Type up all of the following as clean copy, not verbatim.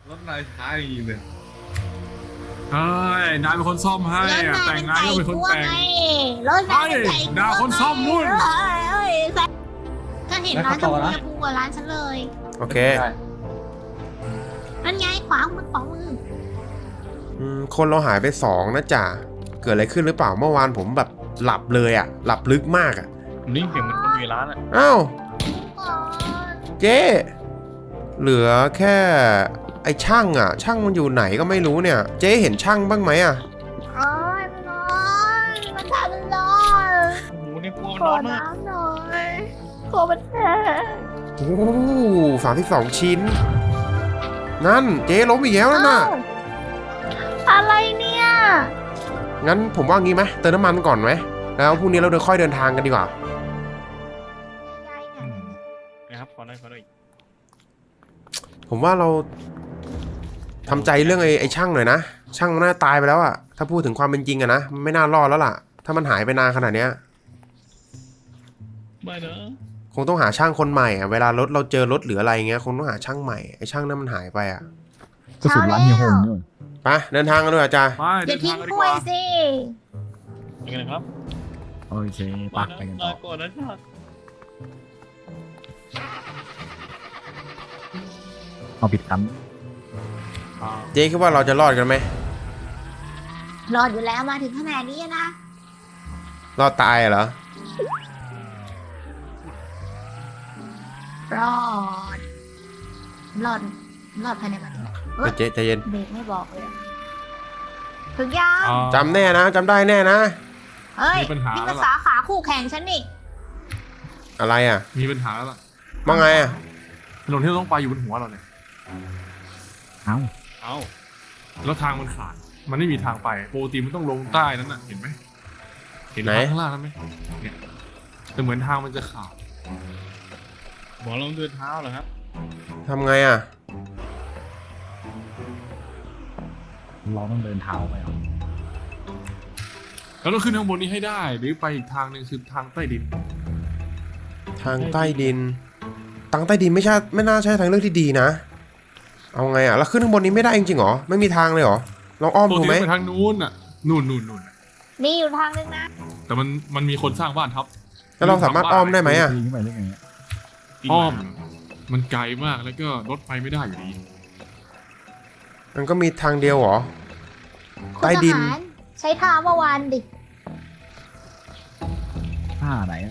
รถนายช้าอย่างนี้เลยเฮ้ยนายเป็นคนซ่อมให้อะแต่งงานก็เป็นคนแต่งรถนายเป็นไก่ด่าคนซ่อมนู่นก็เห็นร้านชมพูจะพูกว่าร้านฉันเลยโอเคนั่นไงขวามือของมือคนเราหายไป2นะจ่าเกิดอะไรขึ้นหรือเปล่าเมื่อวานผมแบบหลับเลยอ่ะหลับลึกมากอ่ะผมนี่เสียงเหมือนคนอยู่ในร้านอ่ะอ้าวก่อนเจ๊เหลือแค่ไอ้ช่างอ่ะ ช่างมันอยู่ไหนก็ไม่รู้เนี่ย เจ๊เห็นช่างบ้างไหมอ่ะโอ้ยมันร้อนมันทำมันร้อนโอ้โหนี่กลัวมันขร้ออนมากน้ำหน่อยขอมันแท้โอ้32 ชิ้น นั่นเจ๊ล้มอีกแล้วนั่นน่ะอะไรเนี่ยงั้นผมว่างี้ไหมเติมน้ำมันก่อนไหมแล้วพรุ่งนี้เราค่อยเดินทางกันดีกว่านะครับขอหน่อยขอหน่อยผมว่าเราทำใจเรื่องไอ้ช่างหน่อยนะ ช่างมันน่าตายไปแล้วอะถ้าพูดถึงความเป็นจริงอะนะมันไม่น่ารอดแล้วล่ะ ถ้ามันหายไปนานขนาดเนี้ยไม่นะคงต้องหาช่างคนใหม่อะเวลารถเราเจอรถหรืออะไรเงี้ยคงต้องหาช่างใหม่ไอ้ช่างนั้นมันหายไปอะกระสุนร้านเฮียโฮมนี่ไปเดินทางกันด้วยอาจารย์ไปอย่าเดินทิ้ทาง งกันกดีล้กวยว่าสิยังไงครับโอเคปักไปกันต่อก่อนนะชาติเอาผิดกันเจ๊คิดว่าเราจะรอดกันไหมรอดอยู่แล้วมาถึงขนาดนี้นะรอดตายเหรอรอด รอด รอดภายในวันนี้เฮ้ยเจ๊ใจเย็นเบรกไม่บอกเลยอะถึงยังจำแน่นะจำได้แน่นะเฮ้ยมีปัญหานี่แล้ภาวล่ะษาขาคู่แข่งฉันนี่อะไรอะมีปัญหาแล้วล่ะว่าไงอะถนนที่เราต้องไปอยู่บนหัวเราเนี่ยเอ้าเอ้าแล้วทางมันขาดมันไม่มีทางไปปกติมันต้องลงใต้นั้นน่ะเห็นไหมเห็นทางข้างล่างนั้นไหมเนี่ยแต่เหมือนทางมันจะขาดบอกเราเดินเท้าเหรอครับทำไงอะเราต้องเดินเท้าไปเอาเราต้องขึ้นข้างบนนี้ให้ได้ หรือไปอีกทางหนึ่งคือทางใต้ดินทางใต้ดินทางใต้ดินไม่น่าใช่ทางเลือกที่ดีนะ เอาไงอะแล้วขึ้นข้างบนนี้ไม่ได้จริงๆเหรอไม่มีทางเลยเหรอลองอ้อมปกดูติไหมไปทางนู้นน่ะนู่นมีอยู่ทางนึงนะแต่มันมีคนสร้างบ้านทับแล้วเราสามารถอ้อมได้ไหมอะปีนขึ้นไปได้ไงอะอ้อม มันไกลมากแล้วก็รถไปไม่ได้อยู่ดีมันก็มีทางเดียวเหรอคุณใต้ดินทหารใช้ท่าเมื่อวานดิท่าไหนอะ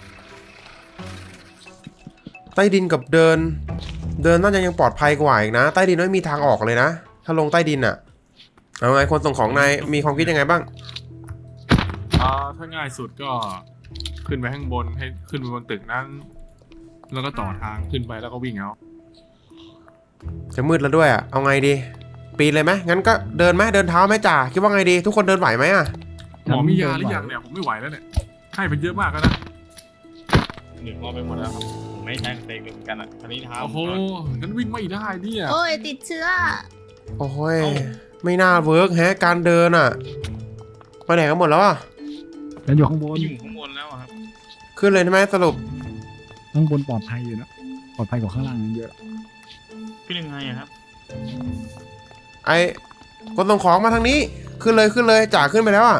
ใต้ดินกับเดินน่าจะยังปลอดภัยกว่าอีกนะใต้ดินไม่มีทางออกเลยนะถ้าลงใต้ดินอะเอาไงคนส่งของนายมีความคิดยังไงบ้างถ้าง่ายสุดก็ขึ้นไปข้างบนให้ขึ้นไปบนตึกนั้น แล้วก็ต่อทางขึ้นไปแล้วก็วิ่งเอาจะมืดแล้วด้วยอะเอาไงดี ปีนเลยไหมงั้นก็เดินไหมเดินเท้าไหมจ่าคิดว่าไงดีทุกคนเดินไหวไหมอะหมอมียาหรือยังเนี่ยผมไม่ไหวแล้วเนี่ยให้ไปเยอะมากแล้วนะหนึ่งรอไปหมดแล้วครับผมไม่ใช้เตะเลยเหมือนกันอ่ะคันนี้เท้าโอ้โหงั้นวิ่งไม่ได้เนี่ยโอ้ยติดเชื้อโอ้ยไม่น่าเวิร์กแฮะการเดินอะไปไหนกันหมดแล้วอะแล้วอยู่ข้างบนอยู่ข้างบนแล้วอะครับขึ้นเลยใช่ไหมสรุปข้างบนปลอดภัยอยู่นะปลอดภัยกว่าข้างล่างเยอะขึ้นยังไงอะครับไอ้คนส่งของมาทางนี้ขึ้นเลยจ่าขึ้นไปแล้วอะ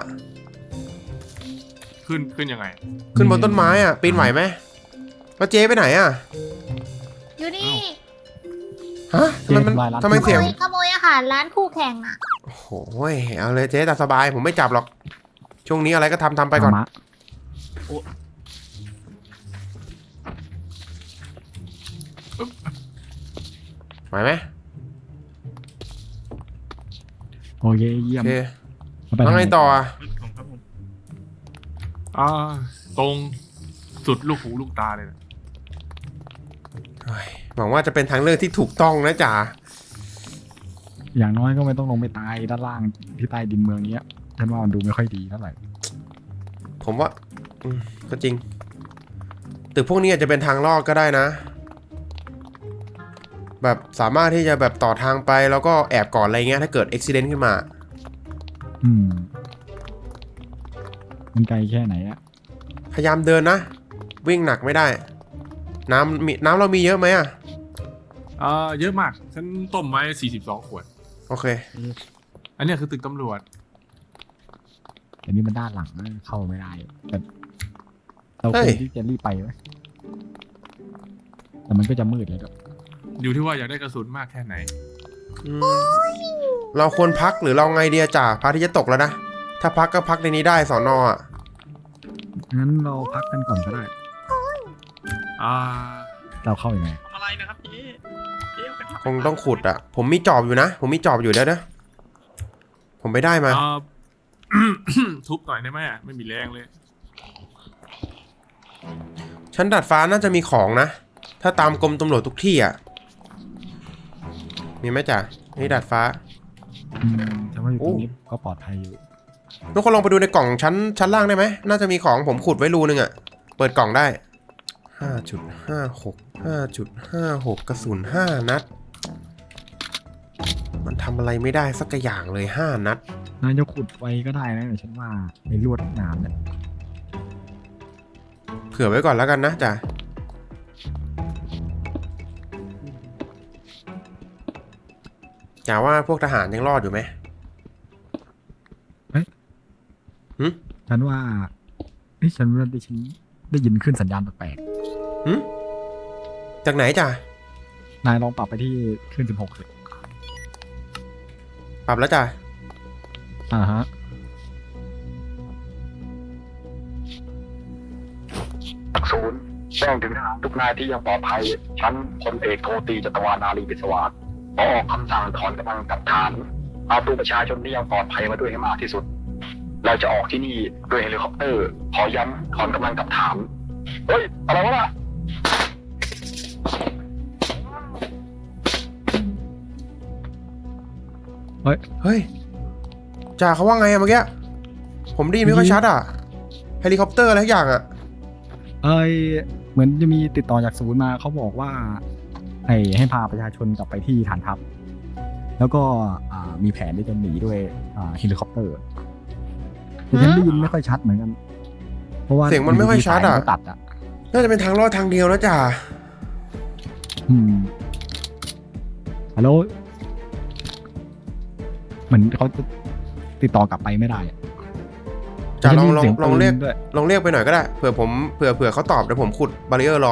ขึ้นยังไงขึ้นบนต้นไม้อะปีนไหวไหมแล้วเจ๊ไปไหนอะอยู่นี่ฮะทำไมเสียงขโมยอาหารร้านคู่แข่งอ่ะโอ้โหเอาเลยเจ๊แต่สบายผมไม่จับหรอก ช่วงนี้อะไรก็ทำไปก่อนมะไหวไหมโอเคเยี่ยโอมเคเอาไปแล้วไงต่ออะของครับผมตรงสุดลูกหูลูกตาเลยนะเฮ้ยหวังว่าจะเป็นทางเลือกที่ถูกต้องนะจ๋าอย่างน้อยก็ไม่ต้องลงไปตายด้านล่างที่ใต้ดินเมืองเนี้ยฉันว่ามันดูไม่ค่อยดีเท่าไหร่ผมว่าก็จริงตึกพวกนี้อาจจะเป็นทางลอดก็ได้นะ แบบสามารถที่จะแบบต่อทางไปแล้วก็แอบก่อนอะไรเงี้ยถ้าเกิดอุบิเหตุขึ้นมามันไกลแค่ไหนอะพยายามเดินนะ วิ่งหนักไม่ได้ น้ำเรามีเยอะไหมอะเยอะมากฉันต้มไว้42 ขวดโอเคอันเนี้ยคือตึกตำรวจอันนี้มันด้านหลังเข้าไม่ได้แต่เราเฮ้ควยรที่จะรีบไปไหมแต่มันก็จะมืดเลยด้วยอยู่ที่ว่าอยากได้กระสุนมากแค่ไหนอืมเราควรพักหรือเราไงเดียจ่าพระอาที่จะตกแล้วนะ ถ้าพักก็พักในนี้ได้สอนอ่ะงั้นเราพักกันก่อนก็ได้อ่าเราเข้ายังไงทำอะไรนะครับพี่เดี๋ยวไปทำคงต้องขุดอ่ะ ผมมีจอบอยู่นะ ผมมีจอบอยู่แล้วนะ ผมไม่ได้มาทุบหน่อยได้ไหมไม่มีแรงเลยชั้นดาดฟ้าน่าจะมีของนะ ถ้าตามกรมตำรวจทุกที่อ่ะ มีไหมจ่านี่ดาดฟ้าแต่ว่าอยู่ตรงโอ้นี้ก็ปลอดภัยอยู่ทุกคนลองไปดูในกล่องชั้นล่างได้ไหม น่าจะมีของผมขุดไว้รูนึงอ่ะ เปิดกล่องได้ 5.56 5.56 กระสุน5 นัด มันทำอะไรไม่ได้สักอย่างเลย5 นัดนายจะขุดไว้ก็ได้นะแต่ฉันว่าในลวดหนามเนี่ยเผื่อไว้ก่อนแล้วกันนะจ่าจ่าว่าพวกทหารยังรอดอยู่ไหมฉันว่าฉันได้ยินขึ้นสัญญาณแปลกจากไหนจ่าๆนายลองปรับไปที่ขึ้น16สิปรับแล้วจ่าฮะศูนย์แจ้งถึงทหารทุกนายที่ยังปลอดภัยชั้นพลเอกโทตีจัตวานารีบิศวาสขอออกคำสั่งถอนกำลังกลับฐานเอาตัวประชาชนที่ยังปลอดภัยมาด้วยให้มากที่สุด เราจะออกที่นี่ด้วยเฮลิคอปเตอร์ ขอย้ำถอนกำลังกลับฐาน เฮ้ย อะไรวะล่ะเฮ้ยจ่าเขาว่าไงอะเมื่อกี้ ผมได้ยินไม่ค่อยชัดอะเฮลิคอปเตอร์อะไรทุกอย่างอะเหมือนจะมีติดต่อจากศูนย์มาเขาบอกว่าให้พาประชาชนกลับไปที่ฐานทัพ แล้วก็มีแผนที่จะหนีด้วยเฮลิคอปเตอร์แต่ฉันได้ยินไม่ค่อยชัดเหมือนกัน เพราะว่าเสียงมันไม่ค่อยชัดอะสายมันตัดอะน่าจะเป็นทางรอดทางเดียวนะจ่าฮัลโหลเหมือนเขาจะติดต่อกลับไปไม่ได้อะจ่าลองฉันได้ยินเสียงลองเรียกปืนด้วยลองเรียกไปหน่อยก็ได้ เผื่อเขาตอบเดี๋ยวผมขุดบารีเออร์รอ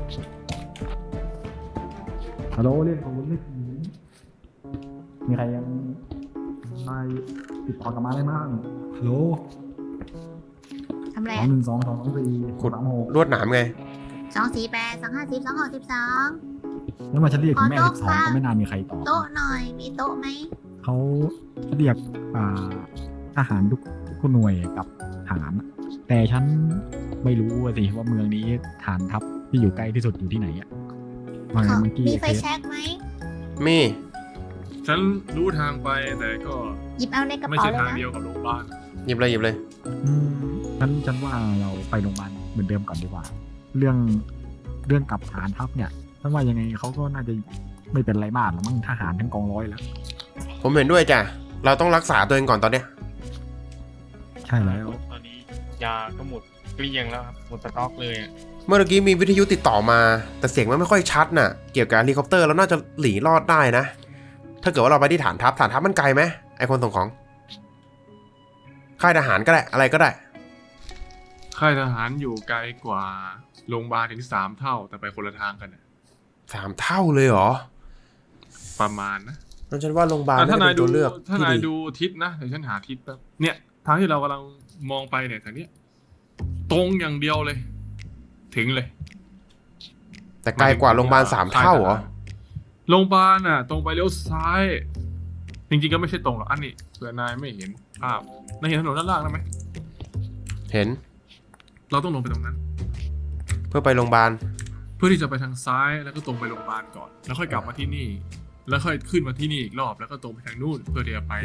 ฮัลโหลเรียกศูนย์เรียกศูนย์มีใครยังไม่ติดต่อกลับมาได้บ้างฮัลโหลทำอะไร 212 224 ขุด 36 ลวดหนามไง 248 250 262 แล้วมาฉันเรียกถึงแม่ขอโต๊ะค่ะ 12ก็ไม่นานมีใครตอบโต๊ะหน่อย มีโต๊ะไหมเขาเรียกทหารทุกหน่วยกับฐานอะแต่ฉันไม่รู้สิว่าเมืองนี้ฐานทัพที่อยู่ใกล้ที่สุดอยู่ที่ไหนอ่ะว่าไงขอเมื่อกี้มีไฟแช็กไหมมีฉันรู้ทางไปแต่ก็หยิบเอาในกระไม่เป๋าใช่เลยทางนะเดียวกับโรงพยาบาลหยิบเลยหยิบเลยฉันว่าเราไปโรงพยาบาลเหมือนเดิมก่อนดีกว่า เรื่องกับฐานทัพเนี่ยฉันว่ายังไงเขาก็น่าจะไม่เป็นไรมากหรอกมั้งทหารทั้งกองร้อยแล้วผมเห็นด้วยจ้ะ เราต้องรักษาตัวเองก่อนตอนเนี้ยใช่แล้วตอนนี้ยาก็หมดเกลี้ยงแล้วครับหมดสต็อกเลยอะเมื่อกี้มีวิทยุติดต่อมา แต่เสียงมันไม่ค่อยชัดน่ะ เกี่ยวกับเฮลิคอปเตอร์เราน่าจะหลีรอดได้นะ ถ้าเกิดว่าเราไปที่ฐานทัพมันไกลไหมไอคนส่งของ ค่ายทหารก็ได้ อะไรก็ได้ค่ายทหารอยู่ไกลกว่าโรงพยาบาลถึง3 เท่าแต่ไปคนละทางกันน่ะ 3 เท่าเลยเหรอประมาณนะนั่นฉันว่าโรงพยาบาลถ้าน่าจะนาเป็ยนดูตัวเลือกถ้าที่นายดีดูทิศนะเดี๋ยวฉันหาทิศแป๊บเนี่ยทางที่เรากำลังมองไปเนี่ยทางเนี้ยตรงอย่างเดียวเลย ถึงเลยแต่ไกลกว่าโรงพยาบาล3 เท่าเหรอโรงพยาบาลน่ะ ตรงไปเลี้ยวซ้าย จริงๆก็ไม่ใช่ตรงหรอกอันนี้เผื่อนายไม่เห็นภาพนายเห็นถนนด้านล่างได้ไหมเห็นเราต้องลงไปตรงนั้นเพื่อไปโรงพยาบาลเพื่อที่จะไปทางซ้ายแล้วก็ตรงไปโรงพยาบาลก่อน แล้วค่อยกลับมาที่นี่ แล้วค่อยขึ้นมาที่นี่อีกรอบแล้วก็ตรงไปทางนู่นเพื่อที่จะไป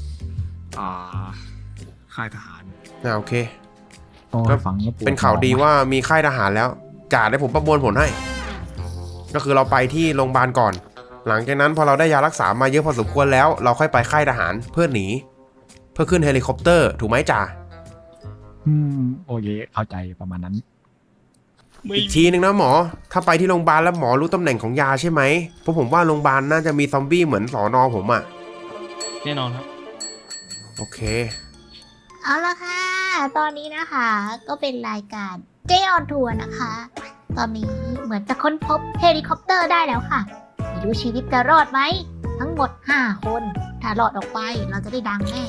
ค่ายทหารโอเคก็ฟังแล้วปวดเป็นข่าวดีว่ามีค่ายทหารแล้วจ่าได้ผมประมวลผลให้ ก็คือเราไปที่โรงพยาบาลก่อน หลังจากนั้นพอเราได้ยารักษามาเยอะพอสมควรแล้ว เราค่อยไปค่ายทหารเพื่อหนี เพื่อขึ้นเฮลิคอปเตอร์ถูกไหมจ่าโอเคเข้าใจประมาณนั้นอีกทีนึงนะหมอ ถ้าไปที่โรงพยาบาลแล้วหมอรู้ตำแหน่งของยาใช่ไหมเพราะผมว่าโรงพยาบาลน่าจะมีซอมบี้เหมือนสอนอผมอะแน่นอนครับโอเคเอาละค่ะ ตอนนี้นะคะ ก็เป็นรายการเจออนทัวร์นะคะ ตอนนี้เหมือนจะค้นพบเฮลิคอปเตอร์ได้แล้วค่ะ ไม่รู้ชีวิตจะรอดไหม ทั้งหมด 5 คน ถ้ารอดออกไปเราจะได้ดังแน่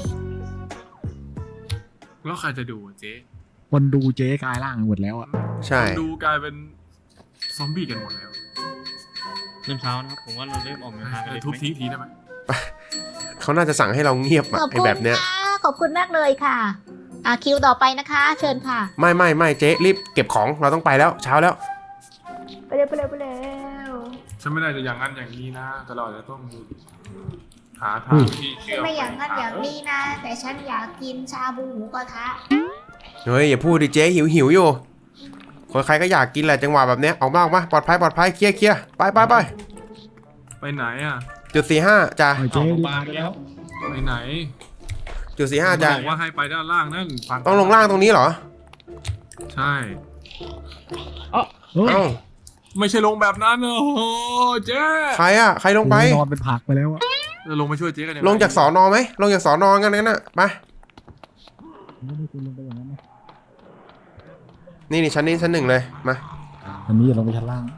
แล้วใครจะดูอะเจ๊คนดูเจ๊กลายร่างหมดแล้วอ่ะใช่คนดูกลายเป็นซอมบี้กันหมดแล้วเริ่มเช้านะครับ ผมว่าเราเริ่มออกเดินทางกันเลยทุบไหมทิ้งทีได้ไหมเขาน่าจะสั่งให้เราเงียบอะขอบไอคุณแบบเนี้ยค่ะ ขอบคุณมากเลยค่ะ คิวต่อไปนะคะ เชิญค่ะไม่เจ๊รีบเก็บของเราต้องไปแล้วเช้าแล้วไปเร็วไปเร็วไปเร็วฉันไม่ได้จะอย่างนั้นอย่างนี้นะ แต่เราอาจจะต้องหาทางที่เชื่อมไม่อย่างนั้นอย่างนี้นะ แต่ฉันอยากกินชาบูหมูกระทะเฮ้ยอย่าพูดดิเจ๊หิวอยู่คนใครก็อยากกินแหละจังหวะแบบเนี้ยออกมาปลอดภัยเคลียร์ไปไปไหนอ่ะจุด45จ้ะปล่อยเจ๊รีบมาได้แล้วไปไหนจุด45จ้ะบอกว่าให้ไปด้านล่างนั่นฝั่ต้องลงล่างตรงนี้เหรอใช่เฮ้ยเอ้าไม่ใช่ลงแบบนั้นโอ้โหเจ๊ใครลงไปนอนเป็นผักไปแล้วอ่ะจะลงมาช่วยเจ๊กันยังไงลงจากสอนอไหมลงจากสอนองั้นน่ะไปไม่ได้คุณลงไปอย่างนั้นนะนี่ชั้นนี้ชั้น 1เลยมาอันนี้อย่าลงไปชั้นล่าง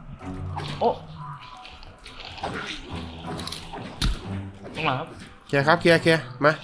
ตรงหลังครับเคลียร์ครับเคลียร์มา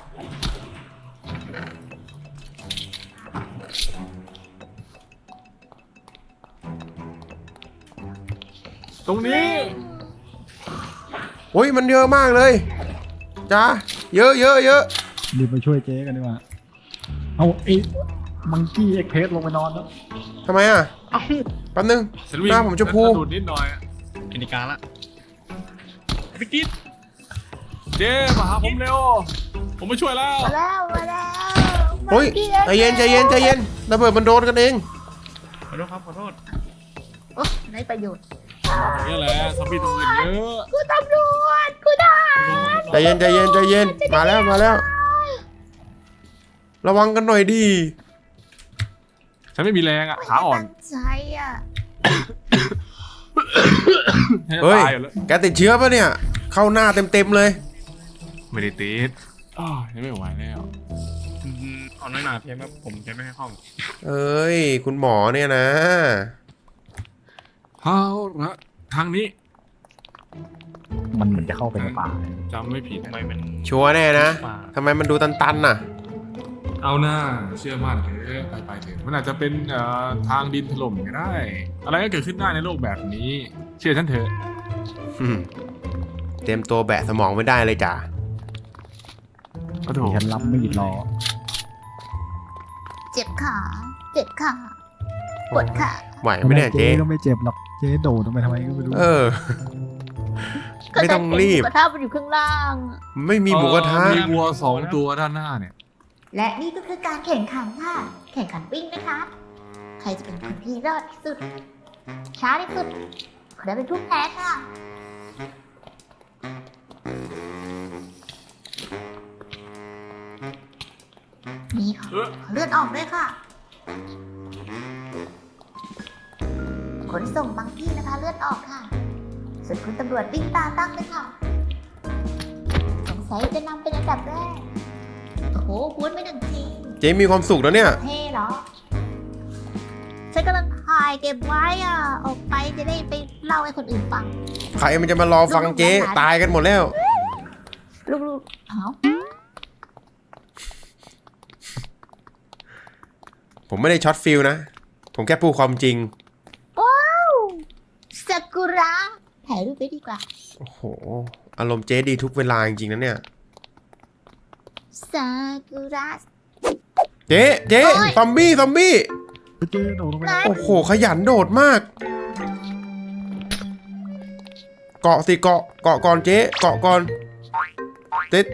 ตรงนี้โอ้ยมันเยอะมากเลยจ้าเยอะรีบไปช่วยเจ๊กันดีกว่าเอาไอ้มังกี้เอ็กเพสลงไปนอนแล้วทำไมอ่ะแป๊บนึงฉันวิ่งหน้าผมชมพูฉันสะดุดนิดหน่อยอะกินการละพี่กิ๊ดเจ๊มาหาผมเร็ว ผมมาช่วยแล้วมาแล้วโอ้ยใจเย็นระเบิดมันโดนกันเองขอโทษครับขอโทษโอ้ได้ประโยชน์นี่แหละซอมบี้ตรงอื่นเยอะกูตำรวจกูทหารใจเย็นมาแล้วระวังกันหน่อยดิฉันไม่มีแรงอ่ะขาอ่อนตั้งใจอ่ะให้เฮ้ยตายอยู่แล้วแกติดเชื้อปะเนี่ยเข้าหน้าเต็มเลยไม่ได้ติดยังไม่ไหวแล้วเอาน้อยหนาเพียงครับผมจะไม่ให้ห้องเอ้ยคุณหมอเนี่ยนะเอาละทางนี้มันเหมือนจะเข้าไปในป่าจำไม่ผิดทำไมมันชัวร์แน่นะป่าทำไมมันดูตันน่ะเอาหน้าเชื่อมั่นเถอะไปเถอะมันอาจจะเป็นทางดินถล่มก็ได้ อะไรก็เกิดขึ้นได้ในโลกแบบนี้ เชื่อฉันเถอะเตรียมตัวแบะสมองไม่ได้เลยจ้ะโอ้โหมีฉันรับไม่หยุดรอเจ็บขาปวดขาไหวไหมเนี่ยเจ๊ก็ไม่เจ็บหรอกเจ๊โดดลงไปทำไมก็ไม่รู้ไม่ต้องรีบกระทะมันอยู่ข้างล่างไม่มีหมูกระทะมีวัว2 ตัวด้านหน้าเนี่ยและนี่ก็คือการแข่งขันค่ะ แข่งขันวิ่งนะคะ ใครจะเป็นคนที่รอดที่สุด ช้าที่สุดขอได้เป็นผู้แพ้ค่ะ นี่ค่ะ เลือดออกด้วยค่ะ ขนส่งบางที่นะคะ เลือดออกค่ะ ส่วนคุณตำรวจวิ่งตาตั้งเลยค่ะ สงสัยจะนำเป็นอันดับแรก โอ้โหพูดไม่หนึ่งทีเจ๊มีความสุขแล้วเนี่ยเท่เหรอ ฉันกำลังถ่ายเก็บไว้อ่ะ ออกไปจะได้ไปเล่าให้คนอื่นฟังใครมันจะมารอฟังเจ๊ตายกันหมดแล้วลูกๆเอ้าผมไม่ได้ช็อตฟิลนะ ผมแค่พูดความจริงว้าวซากุระถ่ายรูปไว้ดีกว่าโอ้โห อารมณ์เจ๊ดีทุกเวลาจริงๆนะเนี่ยซากุระเจ๊โอ้ยซอมบี้เจ๊โดดลงไปไหนโอ้โห ขยันโดดมาก เกาะสิเกาะก่อนเจ๊เกาะก่อนเจ๊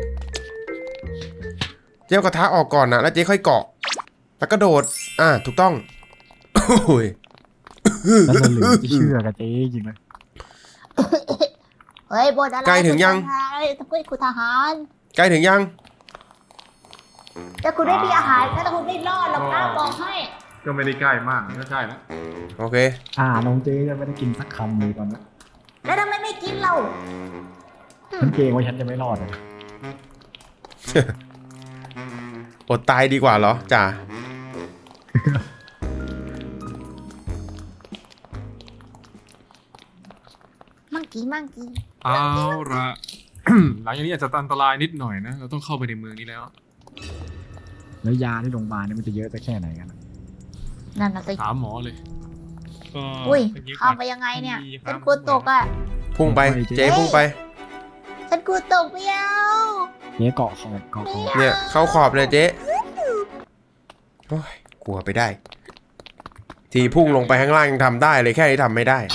เอากระทะออกก่อนนะแล้วเจ๊ค่อยเกาะ แล้วก็โดด ถูกต้อง โอ้ยแล้วมันเหลือจะเชื่อกับเจ๊จริงเลยเฮ้ยบนอะไรใกล้ถึงยังทำไมคุณทหารใกล้ถึงยังแต่คุณไม่มีอาหารถ้าคุณไม่รอดหรอกนะบอกให้ก็ไม่ได้ใกล้มากก็ใกล้แล้วโอเคน้องเจ๊จะไม่ได้กินสักคำเลยตอนนี้แล้วทำไมไม่กินเราฉันเกรงว่าฉันจะไม่รอดอะอดตายดีกว่าเหรอจ่ามังกี้เอาละ หลังจากนี้อาจจะอันตรายนิดหน่อยนะ เราต้องเข้าไปในเมืองนี้แล้วแล้วยาที่โรงพยาบาลเนี่ยมันจะเยอะจะแค่ไหนกันอะนั่นน่ะสิถามหมอเลยก็อุ้ยเมื่อกี้ข้ามไปยังไงเนี่ยดีคฉัรับนกลัวตกอ่ะพุ่งไปเจ๊พุ่งไปฉันกลัวตกไม่เอาเจ๊เกาะขอบเกาะขอบเนี่ยเข้าขอบเลยเจ๊โอ้ยกลัวไปได้ ทีพุ่งลงไปข้างล่างยังทำได้เลยแค่นี้ทำไม่ได้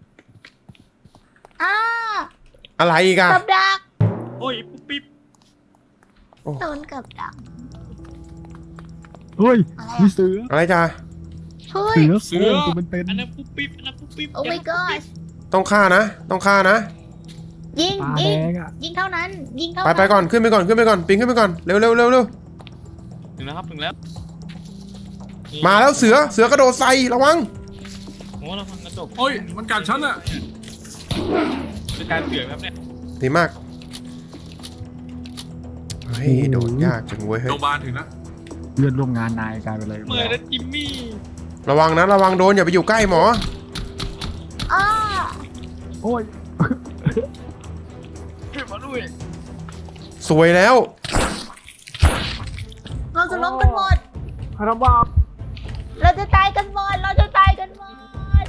อ้าอะไรอีกอะกับดักโอ้ยปุ๊บปิ๊บโดนกับดักเฮ้ยอะไรมีอ่ะเสืออะไรจ้าเฮ้ยเสือโคร่งตัวเป็นอันนั้นปุ๊บปิ๊บอันนั้นปุ๊บปิ๊บโอ้ my god ต้องฆ่านะ ต้องฆ่านะยิงๆตายิแดงงอ่ะยิงเท่านั้น ยิงเท่าไปนั้นไปก่อนขึ้นไปก่อนปีนขึ้นไปก่อนเร็วเร็วเร็วเร็วถึงแล้วครับถึงแล้วนี่มาแล้วเสือกระโดดใส่ระวังโอ้เราฟังกระจกโอ้ยมันกัดฉันอะเป็นการเสือกครับเนี่ยดีมากเฮ้ยโดดยากจังเว้ยเฮ้โรยงพยาบาลถึงนะเพื่อนร่วมงานนายกลายเป็นอะไรไปเมื่อแล้วนั้นจิมมี่ระวังนะระวังโดนอย่าไปอยู่ใกล้หมออ้าโอ้ยขึ้นมาด้วยสวยแล้วเราจะล้มกันหมดพาราบ้าเราจะตายกันหมด เราจะตายกันหมด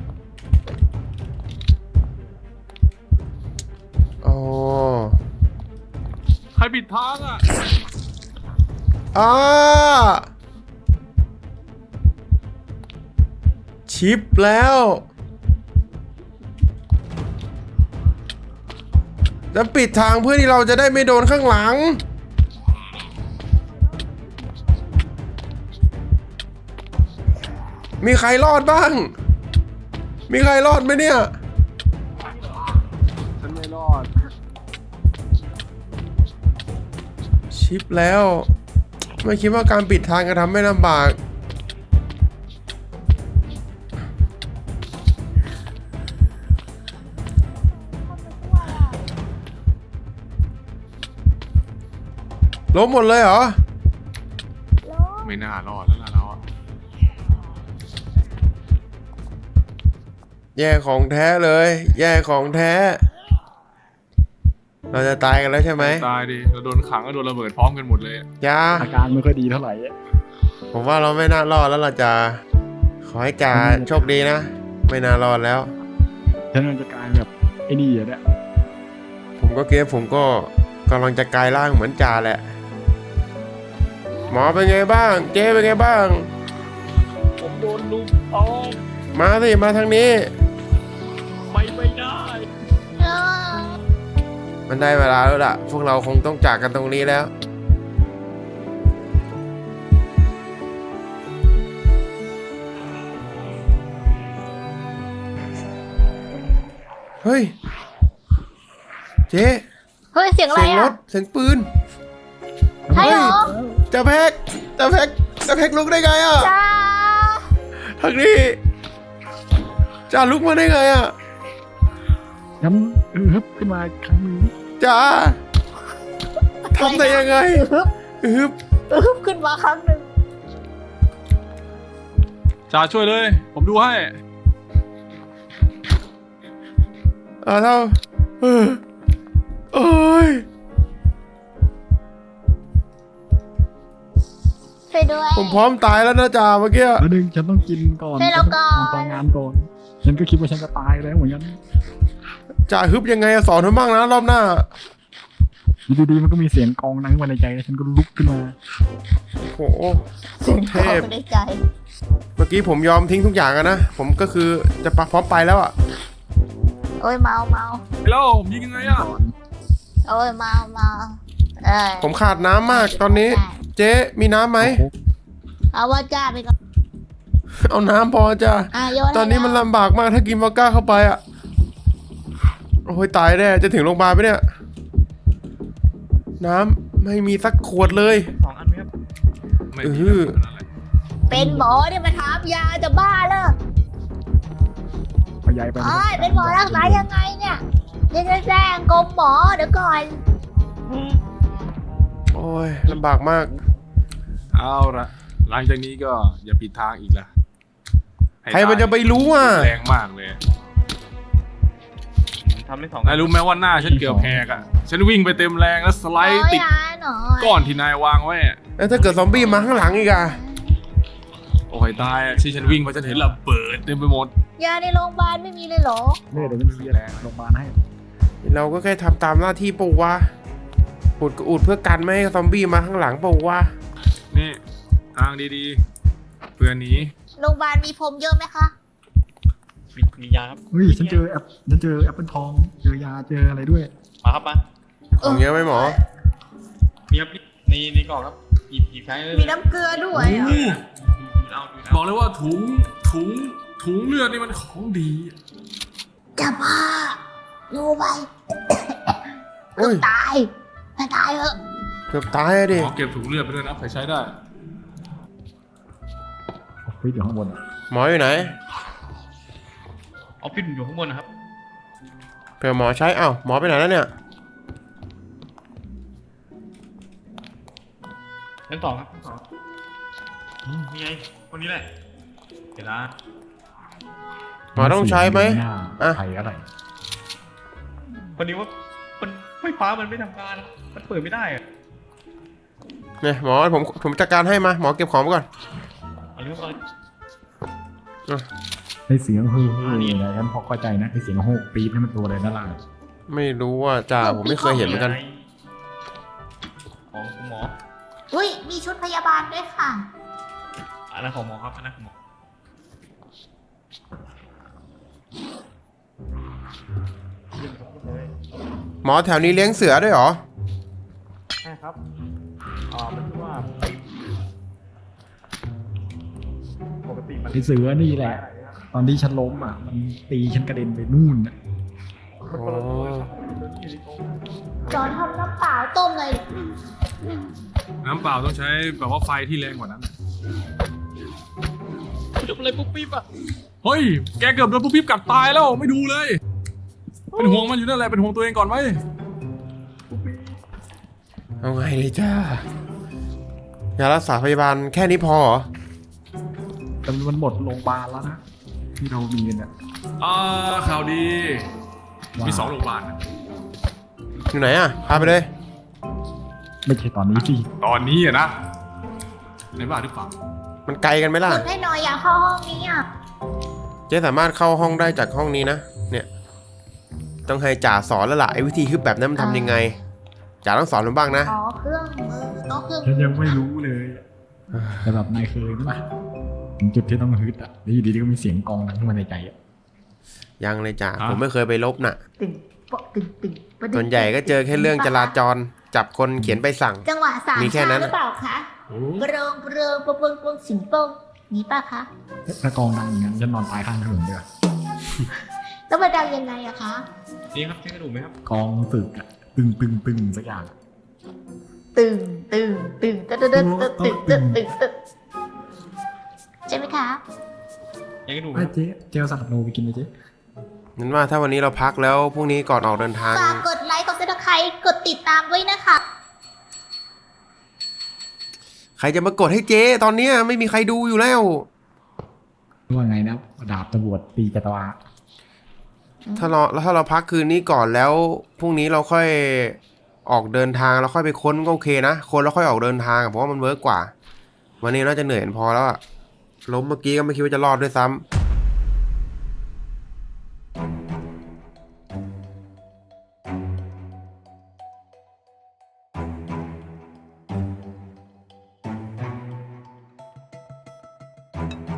อ๋อใครปิดทางอะอ่าชิปแล้วจะปิดทางเพื่อที่เราจะได้ไม่โดนข้างหลัง มีใครรอดบ้าง มีใครรอดไหมเนี่ยฉันไม่รอดชิปแล้ว ไม่คิดว่าการปิดทางจะทำให้ลำบาก ล้มหมดเลยเหรอไม่น่ารอดแล้วล่ะเราอะแย่ของแท้เลย แย่ของแท้ เราจะตายกันแล้วใช่ไหมตายดิเราโดนขังก็โดนระเบิดพร้อมกันหมดเลยอะยาอาการไม่ค่อยดีเท่าไหร่อะผมว่าเราไม่น่ารอดแล้วเราจะขอให้จ่าโชคดีนะ ไม่น่ารอดแล้วฉันมันจะกลายแบบไอ้นี่อะเนี่ยผมก็ผมก็กำลังจะกลายร่างเหมือนจ่าแหละ หมอเป็นไงบ้าง เจ๊เป็นไงบ้างผมโดนลุมเอามาสิมาทางนี้ไปไม่ได้มันได้เวลาแล้วล่ะ พวกเราคงต้องจากกันตรงนี้แล้ว เฮ้ย เจ๊เฮ้ย เสียงอะไรเสียงรอ่ะถ เสียงปืนใช่เหรอจะแพ็กลุกได้ไงอ่ะจ้าทางนี้จ่าลุกมาได้ไงอ่ะย้ำฮึบขึ้นมาอีกครั้งหนึงจ่าทำได้ยังไงฮึบขึ้นมาครั้งหนึ่งจ่าช่วยเลย ผมดูให้เท่าโอ้ยช่วยด้วยผมพร้อมตายแล้วนะจ่าเมื่อกี้แล้วนึงฉันต้องกินก่อนให้เราก่อนฉัต้องทำงานก่อน ฉันก็คิดว่าฉันจะตายแล้วเหมือนกันจ่าฮึบยังไงอะสอนผมบ้างนะรอบหน้าอยู่ดีๆมันก็มีเสียงกองดังขึ้นมาในใจแล้วฉันก็ลุกขึ้นมาโหเสียงเทขอพงในใจเมื่อกี้ผมยอมทิ้งทุกอย่างอะนะ ผมก็คือจะพร้อมไปแล้วอะโอ้ยเมาแล้วผมยิงยังไงอะโอ้ยเมาเออผมขาดน้ำมากตอนนี้ เจ๊มีน้ำไหมเอาว่าจ้าไปก่อนเอาน้ำพอจ้ะโยนให้ตอนนี้มันลำบากมากถ้ากินวอดก้าเข้าไปอะโอ้ยตายแน่จะถึงโรงพยาบาลไหมเนี่ย น้ำไม่มีสักขวดเลย 2 อันไหมครับไม่เอมีอแล้วคนนั้นแหละเป็นหมอเนี่ยมาถามยาจะบ้าเลยเอายายไปเอ้ยเป็นหมอรักษายังไงเนี่ยเดี๋ยวจะแจ้งกรมหมอเดี๋ยวก่อนโอ้ยลำบากมากเอาละหลังจากนี้ก็อย่าผิดทางอีกละใครมันจะไปรู้อ่ะแรงมากเลยทำได้2 นายรู้ไหมว่าหน้าฉันเกือบแหกอ่ะฉันวิ่งไปเต็มแรงแล้วสไลโอ้ด์ยติดยาหน่อยก้อนที่นายวางไว้อะแล้วถ้าเกิดซอมบี้มาข้างหลังอีกอะโอ้ยตายอะที่ฉันวิ่งไปฉันเห็นระเบิดเต็มไปหมดยาในโรงพยาบาลไม่มีเลยเหรอเนี่ยเดี๋ยวจะมีโรงพยาบาลให้เราก็แค่ทำตามหน้าที่ปู่วะอุดก็อุดเพื่อกันไม่ให้ซอมบี้มาข้างหลังปู่วะนี่ทางดีๆเพื่อนหนีโรงพยาบาลมีพรมเยอะไหมคะมียาครับเฮ้ยฉันเจอแอปเปิลทองเจอยาเจออะไรด้วยมาครับมาของเยอะไหมหมอมีครับในกล่องครับหยิบใช้เลยมีน้ำเกลือด้วยโอ้อ่ะโหบอกเลยว่าถุงเลือดนี่มันของดีจะบ้ารู้ไหมโอ้ยตายไม่ตายเหอะเกือบตายอะดิขอเก็บถุงเลือดไปด้วยนะใครใช้ได้ออฟฟิศอยู่ข้างบนอะหมออยู่ไหนออฟฟิศอยู่ข้างบนนะครับเผื่อหมอใช้เอ้าหมอไปไหนแล้วเนี่ยชั้น 2ครับชั้น 2นี่ไงคนนี้แหละเดี๋ยวนะหมอต้องใช้ไหมน้าอ่ะไทยอะไรคนนี้ว่ามันไฟฟ้ามันไม่ทำงานนะมันเปิดไม่ได้อะเนี่ยหมอผมจัดการให้มาหมอเก็บของไปก่อนเอาเรื่องอะไรไอเสียงฮือนะฉันพอเข้าใจนะไอเสียงโฮกปี๊บนี่มันตัวอะไรนั่นล่ะไม่รู้ว่าจ่าผมไม่เคยเห็นเหมือนกันของหมออุ้ยมีชุดพยาบาลด้วยค่ะอันนั้นของหมอครับอันนั้นของหมอเยี่ยมครับเลยหมอแถวนี้เลี้ยงเสือด้วยเหรอใช่ครับมันชื่อว่าปกติมันไอเสือนี่แหละ ตอนที่ฉันล้มอ่ะมันตีฉันกระเด็นไปนู่นอะมันคนละตัวเลยครับมันอยู่ในกรงจอนทำน้ำเปล่าต้มเลยน้ำเปล่าต้องใช้แบบว่าไฟที่แรงกว่านั้นทำอะไรปุ๊บปิ๊บอ่ะเฮ้ยแกเกือบโดนปุ๊บปิ๊บกัดตายแล้วไม่ดูเลย เป็นห่วงมันอยู่นั่นแหละเป็นห่วงตัวเองก่อนไหมเอาไงเลยจ้ายารักษาพยาบาลแค่นี้พอเหรอแต่มันหมดโรงพยาบาลแล้วนะที่เรามีกันเนี่ยข่าวดีว่ามี2 โรงพยาบาลนะอยู่ไหนอะพาไปเลยไม่ใช่ตอนนี้สิตอนนี้อะนะในบ้านหรือเปล่ามันไกลกันไหมล่ะกดให้หน่อยอยากเข้าห้องนี้อ่ะเจ๊สามารถเข้าห้องได้จากห้องนี้นะ เนี่ย ต้องให้จ่าสอนแล้วล่ะไอ้วิธีฮึบแบบนั้นมันทำยังไงจ่าต้องสอนผมบ้างนะอ๋อเครื่องมือต้องเครื่องฉันมือยังไม่รู้เลยแต่แบบนายเคยไหมถึงจุดที่ต้องฮึดอ่ะแล้วอยู่ดีๆก็มีเสียงกลองดังขึ้นมาในใจอ่ะยังเลยจ่าผมไม่เคยไปลบน่ะตึงปะตึงตึงปะตึงส่วนใหญ่ก็เจอแค่เรื่องจราจรจับคนเขียนใบสั่งจังหวะสามมีแค่นั้นชาหรือเปล่าคะโอ้เบรงเบรงปะเปิงปงสิงโป้งนี่ป่ะคะถ้ากลองดังอย่างนั้นฉันนอนตายข้างถนนเดียวาแล้วมาดังยังไงอะคะนี่ครับใช้กระดูกไหมครับกลองสึกอ่ะตึงสักอย่างตึงตึงตึงตึงตึงตึงตึงตึงตึงตึงใช่ไหมคะใช้กระดูกไหมไอ้ครับเจ๊เจลสักโนไปกินไหมเจ๊นั้นว่าถ้าวันนี้เราพักแล้วพรุ่งนี้ก่อนออกเดินทางฝากกดไลค์กดซับสไครต์กดติดตามด้วยนะคะใครจะมากดให้เจ๊ตอนเนี้ยไม่มีใครดูอยู่แล้วว่าไงนะดาบตำรวจตีจัตวาถ้าเราพักคืนนี้ก่อนแล้วพรุ่งนี้เราค่อยออกเดินทางเราค่อยไปค้นก็โอเคนะคนแล้วค่อยออกเดินทางเพราะว่ามันเวิร์กกว่า วันนี้น่าจะเหนื่อยพอแล้วอะล้มเมื่อกี้ก็ไม่คิดว่าจะรอดด้วยซ้ำ